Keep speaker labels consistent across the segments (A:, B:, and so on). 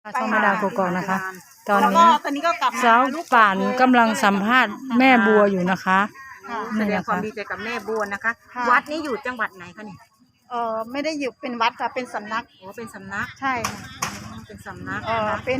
A: ช่องแม่ดาวกกอกนะคะ ตอน
B: แล้วก็
A: นี้
B: ตอนนี้ก็กลับมา
A: สาวป่านกำลังสัมภาษณ์แม่บัวอยู่นะคะ
B: ค่ะ
C: แสดงความดีใจกับแม่บัวนะคะ
B: ค่ะ
C: วัดนี้อยู่จังหวัดไหนคะนี่
B: ไม่ได้อยู่เป็นวัดค่ะเป็นสำนัก
C: โอ้เป็นสำนัก
B: ใช่ค่ะ
C: เป็นสำนัก
B: เป็น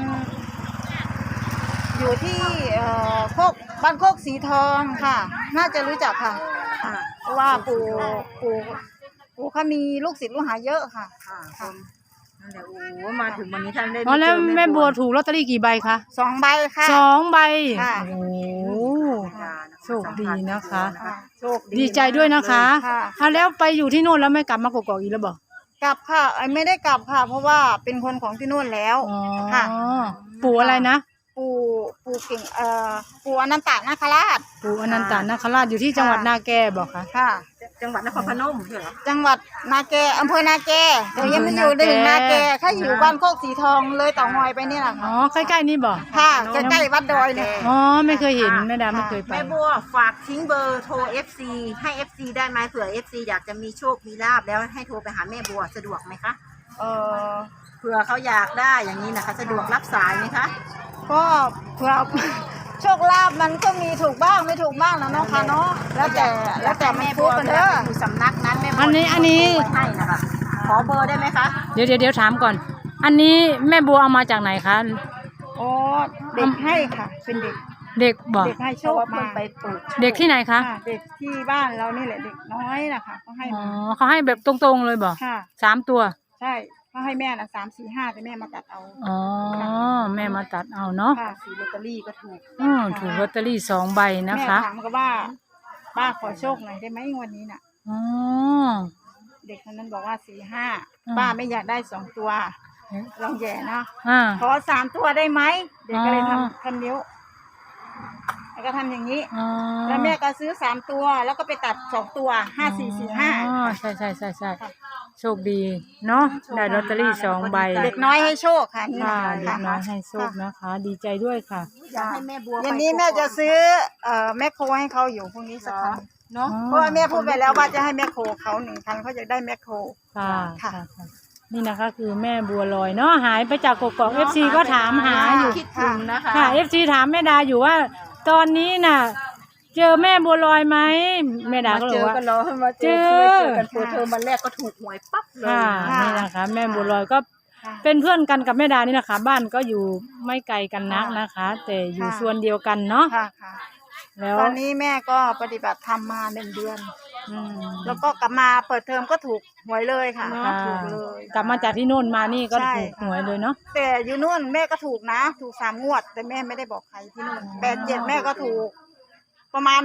B: อยู่ที่โคกบ้านโคกสีทองค่ะ น่าจะรู้จักค่ะ
C: ค่ะ
B: เพราะว่าปู่เขามีลูกศิษย์ลูกหาเยอะค่ะ
C: ค่ะ
B: ค่ะ
C: นั่นแหละโอ้มาถึงวันนี้ท่านได้
A: อ๋อแล้ว
C: เจอ
A: แม่บัวถูกลอตเตอรี่กี่ใบคะ
B: 2 ใบค่ะ
A: 2 ใบ
B: ค่ะ
A: โอ้โห โชคดีนะคะ
B: โชค
A: ดีใจด้วยนะคะ
B: ค่ะ
A: เอาแล้วไปอยู่ที่โน่นแล้วไม่กลับมากกอกอีกแล้วบอก
B: กลับค่ะไม่ได้กลับค่ะ เพราะว่าเป็นคนของที่นู่นแล้ว
A: อ๋อ
B: ค่ะ
A: ปู่อะไรนะ
B: ปู่เก่งปู่อนันตนาคราช
A: ปู่อนันตนาคราชอยู่ที่จังหวัดนาแกบอกค่ะ
B: ค่ะ
C: จังหวัดนครพนมใช่เหรอ
B: จังหวัดนาแกอำเภอนาแกแต่ยังไม่อยู่
A: อำเภอนาแก
B: ถึงนาแกแค่อยู่บ้านโคกสีทองเลยเต่างอยไปนี่แหละ
A: อ๋
B: ค่ะ
A: อใกล้ๆนี่บอก
B: ค่ะใกล้ๆวัดดอยเนี่ย
A: อ๋อไม่เคยเห็นแม่ดาไม่เคยไป
C: แม่บัวฝากทิ้งเบอร์โทร FC ให้ FC ได้ไหมเผื่อ FC อยากจะมีโชคมีลาบแล้วให้โทรไปหาแม่บัวสะดวกไหมคะ
B: เออ
C: เผื่อเขาอยากได้อย่างนี้นะคะสะดวกรับสายไหมคะ
B: ก็เผื่อ โชคลาภมันก็มีถูกบ้างไม่ถูกบ้างนะเนาะค่ะเนาะแล้วแต่มัน
C: แม่
B: พู
C: บั
B: ด
C: ว
B: กัน
C: เว
B: เด้
C: ลา
B: อ
C: ไปอยู่สำนักนั้นแม่บัว
A: อันนี้
C: ให้นะคะขอเบอร์ได้ไหมคะ
A: เดี๋ยวถามก่อน อันนี้แม่บัวเอามาจากไหนคะ
B: อ๋อเด็กให้ค่ะ เป็นเด็ก
A: เด็กบอก
B: เด็กให้โช
C: เพราะ
B: ค
C: ว่าเพิ่
B: มาง
C: ไปปลูก
A: เด็กที่ไหนคะ
B: ค่ะเด็กที่บ้านเรานี่แหละเด็กน้อยนะคะเขาให้
A: อ๋อ
B: มา
A: เขาให้แบบตรงๆเลยบอก
B: ค่ะ
A: 3 ตัว
B: ใช่เขาให้แม่นะ3 4 5แต่แม่มาตัดเอา
A: อ๋อแม่มาตัดเอาเนาะ
B: ค่ะ
C: ซื้อลอตเตอรี่ก็ถูก
A: ถูกลอตเตอรี่2 ใบนะ
B: แม่
A: คะ
B: ถามก็ว่าป้าขอโชคหน่อยได้ไหมวันนี้น่ะ
A: อ๋อ
B: เด็กคนนั้นบอกว่า4
A: อืม
B: 5ป้าไม่อยากได้2 ตัวลองแย่เนาะ
A: อ่า
B: ขอ3 ตัวได้ไหมเด็กก็เลย
A: อ๋อ
B: ทำนิ้วแล้วก็ทำอย่างนี้
A: อ๋อ
B: แล้วแม่ก็ซื้อ3 ตัวแล้วก็ไปตัด2 ตัว5 4 4
A: อ๋อ
B: 5
A: ใช่โชคดีเนาะได้ลอตเตอรี่2 ใบ
B: เด็กน้อยให้โชคค่ะนี่
A: ค่ะ
B: นะ
A: เด็กน้อยให้โชคนะคะ ดีใจด้วยค่ะ
C: อยากให้แม่บัว
B: วันนี้แม่จะซื้อแม่โคให้เขาอยู่พรุ่งนี้สักคันเนาะเพราะว่าแม่พูดไปแล้วว่าจะให้แม่โคเขา1 คันเขาจะได้แม่โค
A: ค่ะ
B: ค่ะ
A: ค่ะนี่นะคะคือแม่บัวลอยเนาะหายไปจากกกอก FC ก็ถามหาอยู่
C: คิดถึงนะคะ
A: ค่ะ FC ถามแม่ดาอยู่ว่า ตอนนี้น่ะ เจอแม่บัวลอยไหมแม่ดาก็
C: มา
A: เล
C: เจ
A: ย
C: อ
A: ว่า
C: กันแล้วมาเจอ
A: เจอ
C: กันเปิดเทอมวันแรกก็ถูกหวยปั๊บเลย
A: ค่ะ
B: ค่ะ
A: นี่นะคะ แม่บัวลอยก็
B: ค่ะ
A: เป็นเพื่อนกันกับแม่ดานี่นะคะ บ้านก็อยู่ไม่ไกลกันนักนะคะ แต่อยู่
B: ค่ะ
A: ส่วนเดียวกันเนาะ
B: ค่ะค่ะ
A: แล้ว
B: ตอนนี้แม่ก็ปฏิบัติธรรมมา1 เดือน
A: อืม
B: แล้วก็กลับมาเปิดเทอมก็ถูกหวยเลยค่ะ
A: ค่ะ
B: ถูกเลย
A: กลับมาจากที่โน่นมานี่ก็
B: ใช่
A: ถูกหวยเลยเนาะ
B: แต่อยู่นู่นแม่ก็ถูกนะถูก3 งวด แต่แม่ไม่ได้บอกใครที่นู่น8 7แม่ก็ถูกประมาณ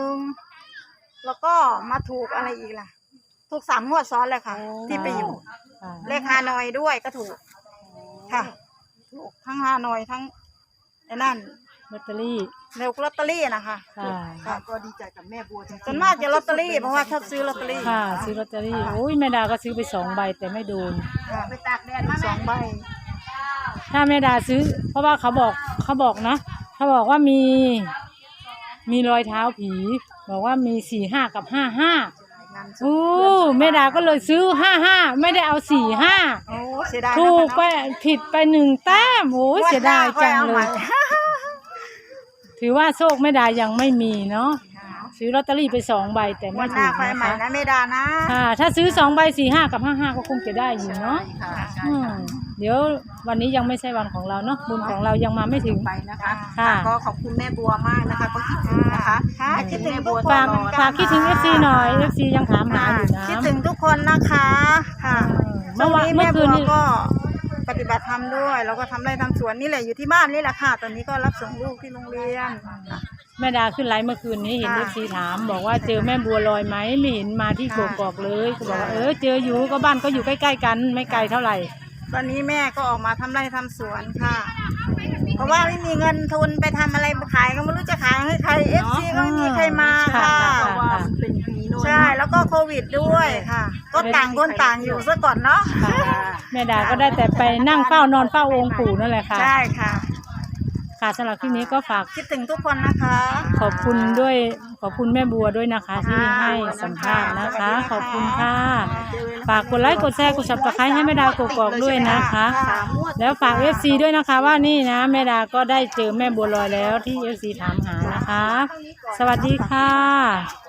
B: 10,000แล้วก็มาถูกอะไรอีกล่ะ ถูก3 งวดซ้อนเลยค่ะ ที่ไปอยู่
A: ค่ะ
B: เลขฮานอยด้วยก็ถูกค่ะ ถูกทั้งฮานอยทั้งไอ้นั่น
A: ลอตเตอรี่
B: เร็วลอตเตอรี่นะคะ
A: ค่ะ
C: ค่ะก็ดีใจกับแม่บัวจริงๆ
B: ส่วนมากจะลอตเตอรี่เพราะว่าชอบซื้อลอตเตอรี่
A: ค่ะซื้อลอตเตอรี่โอ้ยแม่ดาก็ซื้อไป2 ใบแต่ไม่โดน
B: ค่ะ
C: ไปตากแดดมา
B: สองใบ
A: ถ้าแม่ดาซื้อ เพราะว่าเขาบอกนะเขาบอกว่ามีรอยเท้าผี บอกว่ามี45 กับ 55
C: งาน
A: โอ้แม่ดาก็เลยซื้อ55ไม่ได้เอา45
B: โอ้เสียดายนะคะ
A: ถูกไปผิดไป1 แต้มโอ้ยเสียดายจังเลย ถือว่าโชคแม่ดายังไม่มีเนาะซื้อลอตเตอรี่ไป2 ใบแต่
B: วั
A: ไม่
B: นห
A: ถู
B: น้าก ค่อย
A: นะ
B: ใหม่
A: คะ
B: นะเมดานะ
A: ค่ะถ้าซื้อ2 ใบ45 กับ 55ก็คงจะได้อยู่เนาะ
C: ค่ะใช่
A: อืม
C: ค่ะ
A: เดี๋ยววันนี้ยังไม่ใช่วันของเราเนาะบุญของเรายังมาไม่ถึง
C: ไปนะคะ
A: ค่ะ
C: ก็ขอบคุณแม่บัวมากนะคะ ก็คิดถึงนะคะ
B: ค่ะคิดถึงทุกคน
A: ฝากฝากคิดถึง FC หน่อย FC ยังถามหาอยู่นะ
B: คิดถึงทุกคนนะคะค่ะ
A: เมื่อวาน
B: ช่ง
A: เมื่อคืน
B: แม่
A: นี้
B: บัวก็ปฏิบัติธรรมด้วยแล้วก็ทำไร่ทำสวนนี่แหละอยู่ที่บ้านนี่แหละค่ะ ตอนนี้ก็รับส่งลูกที่โรงเรียน
A: แม่ดาขึ้นไลฟ์เมื่อคืนนี้เห็น
B: ค่ะ
A: FC ถาม บอกว่าเจอแม่บัวลอยไหมไม่เห็นมาที่ก
B: ค่ะ
A: กอกเลยก็บอกว่าเจออยู่ก็บ้านก็อยู่ใกล้ๆกันไม่ไกลเท่าไหร่
B: ตอนนี้แม่ก็ออกมาทำไร่ทำสวนค่ะ เพราะว่าไม่มีเงินทุนไปทำอะไรขายก็ไม่รู้จะขายให้ใครเอฟซีก็ไม่มีใครมาค่ะ
C: เพราะว่ามันเป็นปีโน่น
B: ใช่แล้วก็โควิดด้วยค่ะ ก็ต่างคนต่างอยู่ซะก่อนเนาะ
A: แม่ดาก็ได้แต่ไปนั่งเฝ้านอนเฝ้าองค์ปู่นั่นแหละค่ะ
B: ใช่ค่ะ
A: ค่ะค่ะสำหรับคลิปนี้ก็ฝาก
B: คิดถึงทุกคนนะคะ
A: ขอบคุณด้วยขอบคุณแม่บัวด้วยนะคะ ที่ให้สัมภาษณ์นะคะ ขอบคุณค่ะฝากกดไลค์กดแชร์กด Subscribe ให้แม่ดาวกกอกด้วยนะคะ แล้วฝาก FC ด้วยนะคะว่านี่นะแม่ดาก็ได้เจอแม่บัวลอยแล้วที่ FC ถามหานะคะ สวัสดีค่ะ